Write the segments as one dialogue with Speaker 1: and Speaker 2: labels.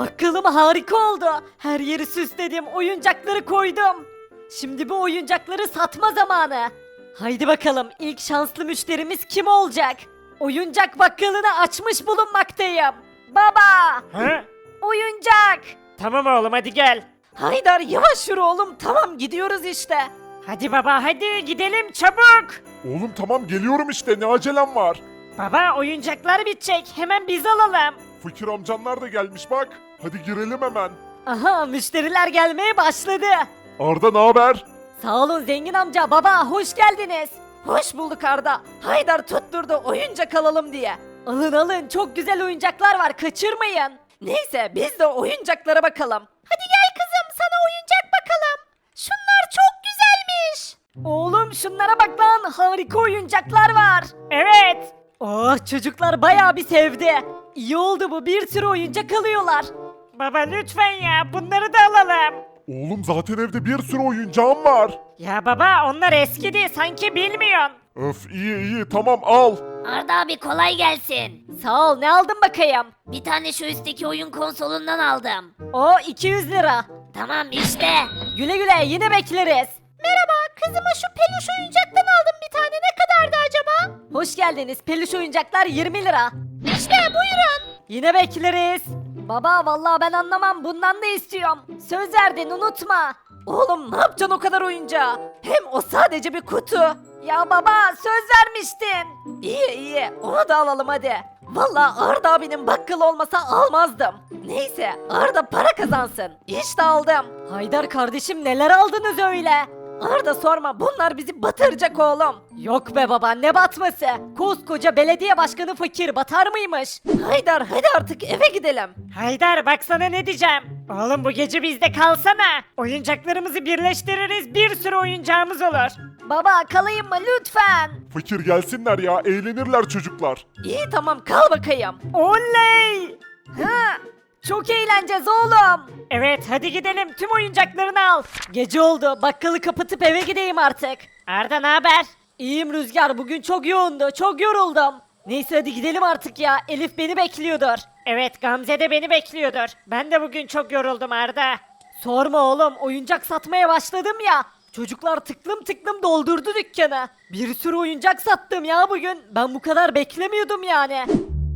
Speaker 1: Bakkalım harika oldu. Her yeri süsledim, oyuncakları koydum. Şimdi bu oyuncakları satma zamanı. Haydi bakalım ilk şanslı müşterimiz kim olacak? Oyuncak bakkalını açmış bulunmaktayım. Baba!
Speaker 2: Ha?
Speaker 1: Oyuncak!
Speaker 2: Tamam oğlum hadi gel.
Speaker 1: Haydar yavaş yürü oğlum, tamam gidiyoruz işte.
Speaker 2: Hadi baba hadi gidelim çabuk.
Speaker 3: Oğlum tamam geliyorum işte, ne acelem var?
Speaker 2: Baba oyuncaklar bitecek hemen biz alalım.
Speaker 3: Fakir amcanlar da gelmiş bak. Hadi girelim hemen.
Speaker 1: Aha, müşteriler gelmeye başladı.
Speaker 3: Arda ne haber?
Speaker 1: Sağ olun zengin amca, baba hoş geldiniz. Hoş bulduk Arda. Haydar tutturdu oyuncak alalım diye. Alın alın, çok güzel oyuncaklar var, kaçırmayın. Neyse biz de oyuncaklara bakalım. Hadi gel kızım, sana oyuncak bakalım. Şunlar çok güzelmiş. Oğlum şunlara bak lan, harika oyuncaklar var.
Speaker 2: Evet.
Speaker 1: Oh, çocuklar bayağı bir sevdi. İyi oldu bu, bir sürü oyuncak alıyorlar.
Speaker 2: Baba lütfen ya bunları da alalım.
Speaker 3: Oğlum zaten evde bir sürü oyuncağım var.
Speaker 2: Ya baba onlar eskidi sanki bilmiyorsun.
Speaker 3: Öf iyi iyi tamam al.
Speaker 4: Arda abi kolay gelsin.
Speaker 1: Sağ ol, ne aldın bakayım?
Speaker 4: Bir tane şu üstteki oyun konsolundan aldım.
Speaker 1: O 200 lira.
Speaker 4: Tamam işte.
Speaker 1: Güle güle, yine bekleriz. Merhaba, kızıma şu peluş oyuncaktan aldım bir tane. Ne kadardı acaba? Hoş geldiniz. Peluş oyuncaklar 20 lira.
Speaker 4: İşte buyurun.
Speaker 1: Yine bekleriz. Baba vallahi ben anlamam. Bundan da istiyorum. Söz verdin, unutma. Oğlum ne yapacaksın o kadar oyuncağı? Hem o sadece bir kutu. Ya baba söz vermiştin. İyi iyi, onu da alalım hadi. Vallahi Arda abinin bakkalı olmasa almazdım. Neyse Arda para kazansın. İşte aldım. Haydar kardeşim neler aldınız öyle? Arda sorma, bunlar bizi batıracak oğlum. Yok be baba, ne batması? Koskoca belediye başkanı fakir batar mıymış? Haydar hadi artık eve gidelim.
Speaker 2: Haydar baksana ne diyeceğim. Oğlum bu gece bizde kalsana. Oyuncaklarımızı birleştiririz bir sürü oyuncağımız olur.
Speaker 1: Baba kalayım mı lütfen?
Speaker 3: Fakir gelsinler ya, eğlenirler çocuklar.
Speaker 1: İyi tamam, kal bakayım.
Speaker 2: Oley!
Speaker 1: Ha, çok eğleneceğiz oğlum.
Speaker 2: Evet hadi gidelim tüm oyuncaklarını al.
Speaker 1: Gece oldu, bakkalı kapatıp eve gideyim artık.
Speaker 2: Arda ne haber?
Speaker 1: İyiyim Rüzgar, bugün çok yoğundu, çok yoruldum. Neyse hadi gidelim artık ya, Elif beni bekliyordur.
Speaker 2: Evet Gamze de beni bekliyordur. Ben de bugün çok yoruldum Arda.
Speaker 1: Sorma oğlum, oyuncak satmaya başladım ya. Çocuklar tıklım tıklım doldurdu dükkanı. Bir sürü oyuncak sattım ya bugün. Ben bu kadar beklemiyordum yani.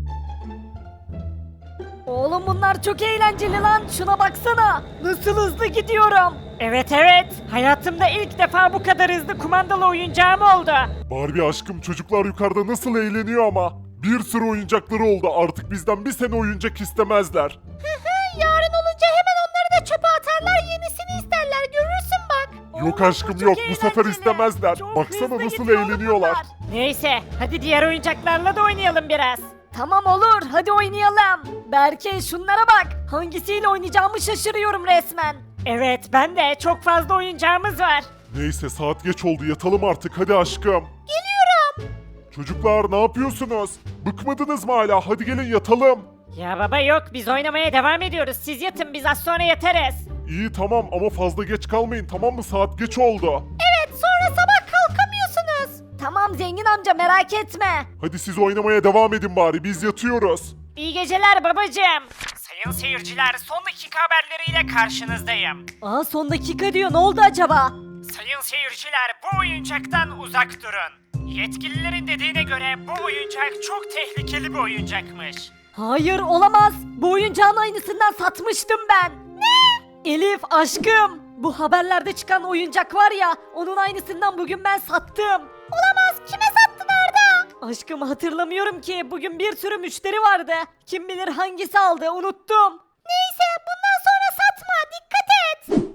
Speaker 1: Oğlum bunlar çok eğlenceli lan. Şuna baksana. Nasıl hızlı gidiyorum.
Speaker 2: Evet evet. Hayatımda ilk defa bu kadar hızlı kumandalı oyuncağım oldu.
Speaker 3: Barbie aşkım, çocuklar yukarıda nasıl eğleniyor ama. Bir sürü oyuncakları oldu, artık bizden bir sene oyuncak istemezler.
Speaker 1: Yarın olunca hemen onları da çöpe atarlar, yenisini isterler, görürsün bak.
Speaker 3: Yok
Speaker 1: Oğlum,
Speaker 3: aşkım
Speaker 1: çok
Speaker 3: yok, bu sefer
Speaker 1: eğlenceli.
Speaker 3: istemezler.
Speaker 1: Çok
Speaker 3: Baksana
Speaker 1: hızlı
Speaker 3: nasıl
Speaker 1: gidiyor oğlum
Speaker 3: eğleniyorlar.
Speaker 1: bunlar.
Speaker 2: Neyse hadi diğer oyuncaklarla da oynayalım biraz.
Speaker 1: Tamam olur, hadi oynayalım. Berke şunlara bak. Hangisiyle oynayacağımı şaşırıyorum resmen.
Speaker 2: Evet ben de çok fazla oyuncağımız var.
Speaker 3: Neyse saat geç oldu, yatalım artık hadi aşkım.
Speaker 1: Geliyorum.
Speaker 3: Çocuklar ne yapıyorsunuz? Bıkmadınız mı hala? Hadi gelin yatalım.
Speaker 2: Ya baba yok biz oynamaya devam ediyoruz. Siz yatın biz az sonra yatarız.
Speaker 3: İyi tamam ama fazla geç kalmayın, tamam mı? Saat geç oldu.
Speaker 1: Evet, sonra sabah kalkamıyorsunuz. Tamam zengin amca, merak etme.
Speaker 3: Hadi siz oynamaya devam edin bari, biz yatıyoruz.
Speaker 2: İyi geceler babacığım. Sayın seyirciler son dakika haberleriyle karşınızdayım.
Speaker 1: Aa, son dakika diyor, ne oldu acaba?
Speaker 2: Sayın seyirciler bu oyuncaktan uzak durun. Yetkililerin dediğine göre bu oyuncak çok tehlikeli bir oyuncakmış.
Speaker 1: Hayır olamaz. Bu oyuncağın aynısından satmıştım ben. Ne? Elif aşkım. Bu haberlerde çıkan oyuncak var ya, onun aynısından bugün ben sattım. Olamaz. Kime sattın Arda? Aşkım hatırlamıyorum ki. Bugün bir sürü müşteri vardı. Kim bilir hangisi aldı, unuttum. Neyse bundan sonra satma. Dikkat et.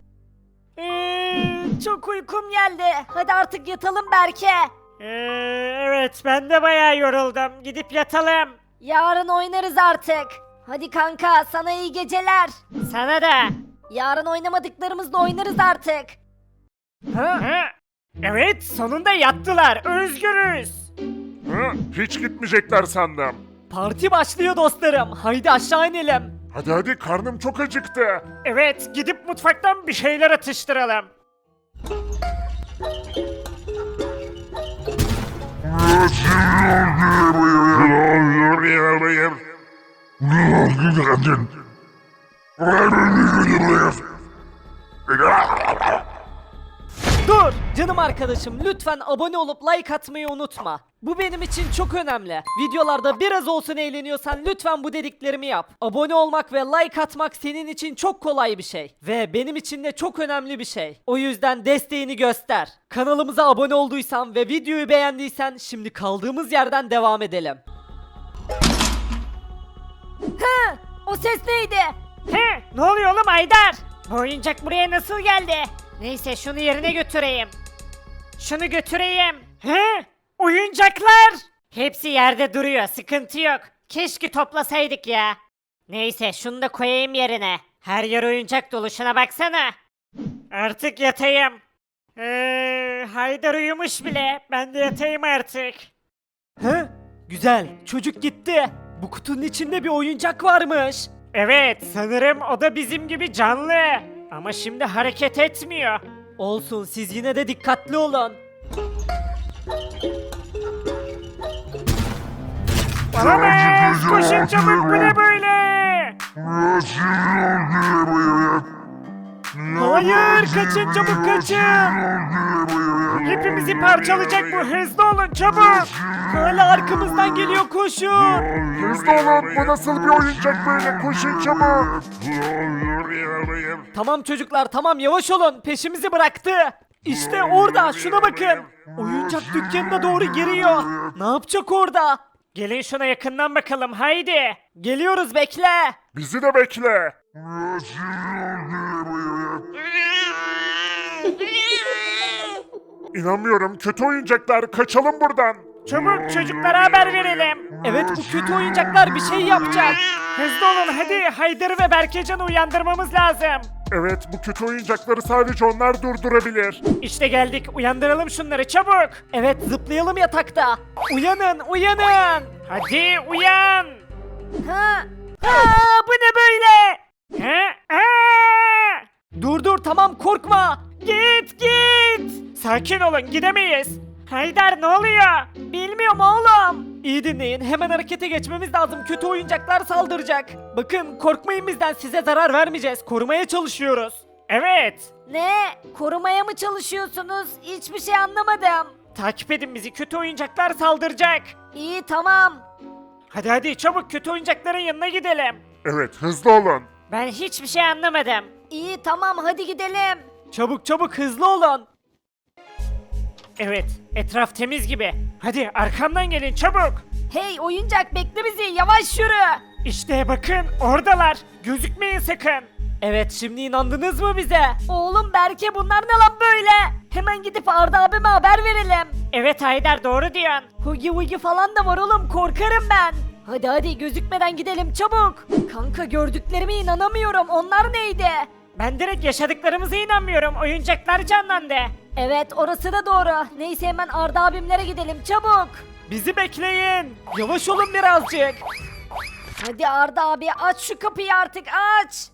Speaker 1: Çok uykum geldi. Hadi artık yatalım Berke.
Speaker 2: Evet ben de bayağı yoruldum. Gidip yatalım.
Speaker 1: Yarın oynarız artık. Hadi kanka, sana iyi geceler.
Speaker 2: Sana da.
Speaker 1: Yarın oynamadıklarımızla oynarız artık.
Speaker 2: Ha? Evet sonunda yattılar. Özgürüz.
Speaker 3: Hiç gitmeyecekler sandım.
Speaker 1: Parti başlıyor dostlarım. Haydi aşağı inelim.
Speaker 3: Hadi hadi, karnım çok acıktı.
Speaker 2: Evet gidip mutfaktan bir şeyler atıştıralım.
Speaker 1: Dur canım arkadaşım, lütfen abone olup like atmayı unutma. Bu benim için çok önemli. Videolarda biraz olsun eğleniyorsan lütfen bu dediklerimi yap. Abone olmak ve like atmak senin için çok kolay bir şey. Ve benim için de çok önemli bir şey. O yüzden desteğini göster. Kanalımıza abone olduysan ve videoyu beğendiysen şimdi kaldığımız yerden devam edelim.
Speaker 4: Hı, o ses neydi?
Speaker 2: He, ne oluyor oğlum Haydar? Bu oyuncak buraya nasıl geldi? Neyse şunu yerine götüreyim. Şunu götüreyim. He? Oyuncaklar! Hepsi yerde duruyor, sıkıntı yok. Keşke toplasaydık ya. Neyse şunu da koyayım yerine. Her yer oyuncak dolu, şuna baksana. Artık yatayım. Haydar uyumuş bile. Ben de yatayım artık.
Speaker 1: Hı? Güzel. Çocuk gitti. Bu kutunun içinde bir oyuncak varmış.
Speaker 2: Evet, sanırım o da bizim gibi canlı. Ama şimdi hareket etmiyor.
Speaker 1: Olsun, siz yine de dikkatli olun.
Speaker 2: Olamaz! Koşun çabuk, bu ne böyle?
Speaker 1: Hayır, kaçın çabuk kaçın.
Speaker 2: Hepimizi parçalayacak bu, hızlı olun çabuk.
Speaker 1: Hala arkamızdan geliyor, koşun.
Speaker 3: Hızlı olun, bu nasıl bir oyuncak böyle, koşun çabuk.
Speaker 1: Tamam çocuklar, tamam, yavaş olun, peşimizi bıraktı. İşte orada, şuna bakın. Oyuncak dükkanına doğru giriyor. Ne yapacak orada?
Speaker 2: Gelin şuna yakından bakalım, haydi.
Speaker 1: Geliyoruz, bekle.
Speaker 3: Bizi de bekle. İnanmıyorum, kötü oyuncaklar, kaçalım buradan.
Speaker 2: Çabuk çocuklara haber verelim.
Speaker 1: Evet, bu kötü oyuncaklar bir şey yapacak.
Speaker 2: Hızlı olun hadi, Haydar'ı ve Berkecan'ı uyandırmamız lazım.
Speaker 3: Evet, bu kötü oyuncakları sadece onlar durdurabilir.
Speaker 2: İşte geldik, uyandıralım şunları çabuk.
Speaker 1: Evet, zıplayalım yatakta. Uyanın, uyanın.
Speaker 2: Hadi uyan.
Speaker 1: Ha?
Speaker 2: Aa, bu ne böyle? Ha? Aa!
Speaker 1: Dur tamam, korkma.
Speaker 2: Git. Sakin olun, gidemeyiz. Haydar ne oluyor?
Speaker 1: Bilmiyorum oğlum. İyi dinleyin, hemen harekete geçmemiz lazım. Kötü oyuncaklar saldıracak. Bakın, korkmayın bizden, size zarar vermeyeceğiz. Korumaya çalışıyoruz.
Speaker 2: Evet.
Speaker 4: Ne? Korumaya mı çalışıyorsunuz? Hiçbir şey anlamadım.
Speaker 2: Takip edin bizi, kötü oyuncaklar saldıracak.
Speaker 4: İyi tamam.
Speaker 2: Hadi çabuk kötü oyuncakların yanına gidelim.
Speaker 3: Evet, hızlı olun.
Speaker 2: Ben hiçbir şey anlamadım.
Speaker 4: İyi tamam hadi gidelim.
Speaker 1: Çabuk hızlı olun.
Speaker 2: Evet, etraf temiz gibi. Hadi arkamdan gelin çabuk.
Speaker 4: Hey oyuncak bekle bizi yavaş yürü.
Speaker 2: İşte bakın oradalar. Gözükmeyin sakın.
Speaker 1: Evet, şimdi inandınız mı bize?
Speaker 4: Oğlum Berke bunlar ne lan böyle? Hemen gidip Arda abime haber verelim.
Speaker 2: Evet Haydar doğru diyorsun.
Speaker 4: Hugi Hugi falan da var oğlum korkarım ben. Hadi gözükmeden gidelim çabuk. Kanka gördüklerime inanamıyorum onlar neydi?
Speaker 2: Ben direkt yaşadıklarımıza inanmıyorum. Oyuncaklar canlandı.
Speaker 4: Evet orası da doğru. Neyse hemen Arda abimlere gidelim çabuk.
Speaker 1: Bizi bekleyin. Yavaş olun birazcık.
Speaker 4: Hadi Arda abi aç şu kapıyı artık aç.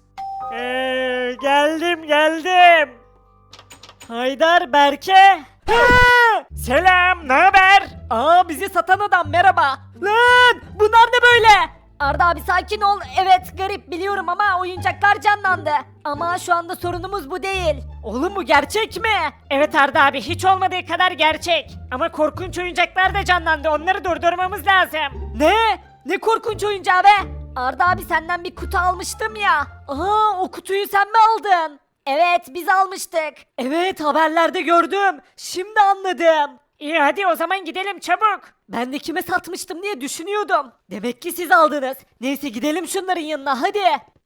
Speaker 2: Geldim.
Speaker 1: Haydar, Berke.
Speaker 2: Selam, ne haber?
Speaker 1: Aa, bizi satan adam, merhaba. Lan, bunlar ne böyle?
Speaker 4: Arda abi sakin ol. Evet garip biliyorum ama oyuncaklar canlandı. Ama şu anda sorunumuz bu değil.
Speaker 1: Oğlum, bu gerçek mi?
Speaker 2: Evet Arda abi, hiç olmadığı kadar gerçek. Ama korkunç oyuncaklar da canlandı. Onları durdurmamız lazım.
Speaker 1: Ne? Ne korkunç oyuncağı be?
Speaker 4: Arda abi senden bir kutu almıştım ya.
Speaker 1: Aa, o kutuyu sen mi aldın?
Speaker 4: Evet biz almıştık.
Speaker 1: Evet, haberlerde gördüm. Şimdi anladım.
Speaker 2: İyi hadi o zaman gidelim çabuk.
Speaker 1: Ben de kime satmıştım diye düşünüyordum. Demek ki siz aldınız. Neyse, gidelim şunların yanına, hadi.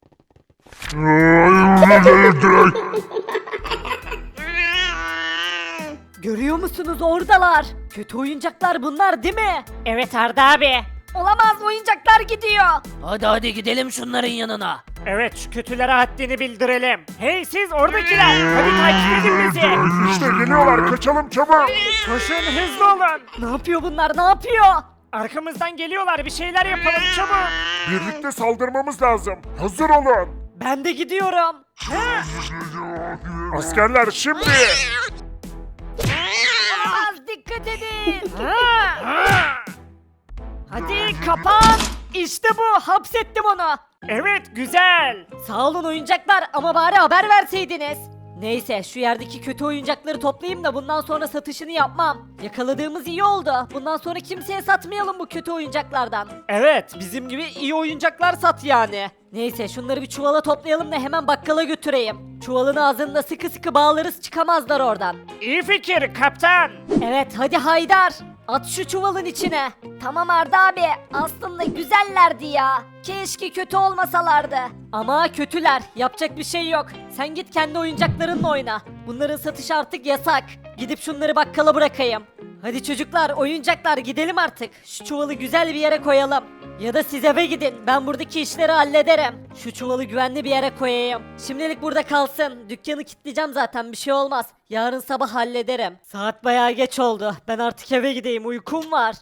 Speaker 1: Görüyor musunuz, oradalar. Kötü oyuncaklar bunlar değil mi?
Speaker 2: Evet Arda abi.
Speaker 4: Olamaz oyuncaklar gidiyor.
Speaker 1: Hadi gidelim şunların yanına.
Speaker 2: Evet şu kötülere haddini bildirelim. Hey siz oradakiler. Hadi takip edin bizi.
Speaker 3: İşte geliyorlar, kaçalım çabuk.
Speaker 2: Koşun hızlı olun.
Speaker 1: Ne yapıyor bunlar, ne yapıyor?
Speaker 2: Arkamızdan geliyorlar, bir şeyler yapalım çabuk.
Speaker 3: Birlikte saldırmamız lazım. Hazır olun.
Speaker 1: Ben de gidiyorum.
Speaker 3: Askerler şimdi.
Speaker 4: Olamaz dikkat edin.
Speaker 1: Hadi kapan. İşte bu, hapsettim onu.
Speaker 2: Evet güzel.
Speaker 4: Sağ olun oyuncaklar ama bari haber verseydiniz. Neyse şu yerdeki kötü oyuncakları toplayayım da bundan sonra satışını yapmam. Yakaladığımız iyi oldu. Bundan sonra kimseye satmayalım bu kötü oyuncaklardan.
Speaker 1: Evet bizim gibi iyi oyuncaklar sat yani.
Speaker 4: Neyse şunları bir çuvala toplayalım da hemen bakkala götüreyim. Çuvalın ağzında sıkı sıkı bağlarız çıkamazlar oradan.
Speaker 2: İyi fikir kaptan.
Speaker 4: Evet hadi Haydar. At şu çuvalın içine.
Speaker 1: Tamam Arda abi aslında güzellerdi ya. Keşke kötü olmasalardı.
Speaker 4: Ama kötüler. Yapacak bir şey yok. Sen git kendi oyuncaklarınla oyna. Bunların satışı artık yasak. Gidip şunları bakkala bırakayım. Hadi çocuklar, oyuncaklar gidelim artık. Şu çuvalı güzel bir yere koyalım. Ya da siz eve gidin. Ben buradaki işleri hallederim. Şu çuvalı güvenli bir yere koyayım. Şimdilik burada kalsın. Dükkanı kilitleyeceğim zaten bir şey olmaz. Yarın sabah hallederim. Saat bayağı geç oldu. Ben artık eve gideyim. Uykum var.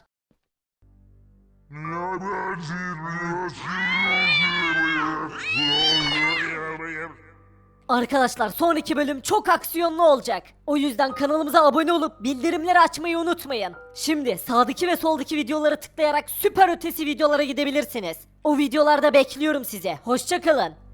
Speaker 4: Arkadaşlar sonraki bölüm çok aksiyonlu olacak. O yüzden kanalımıza abone olup bildirimleri açmayı unutmayın. Şimdi sağdaki ve soldaki videolara tıklayarak süper ötesi videolara gidebilirsiniz. O videolarda bekliyorum sizi. Hoşça kalın.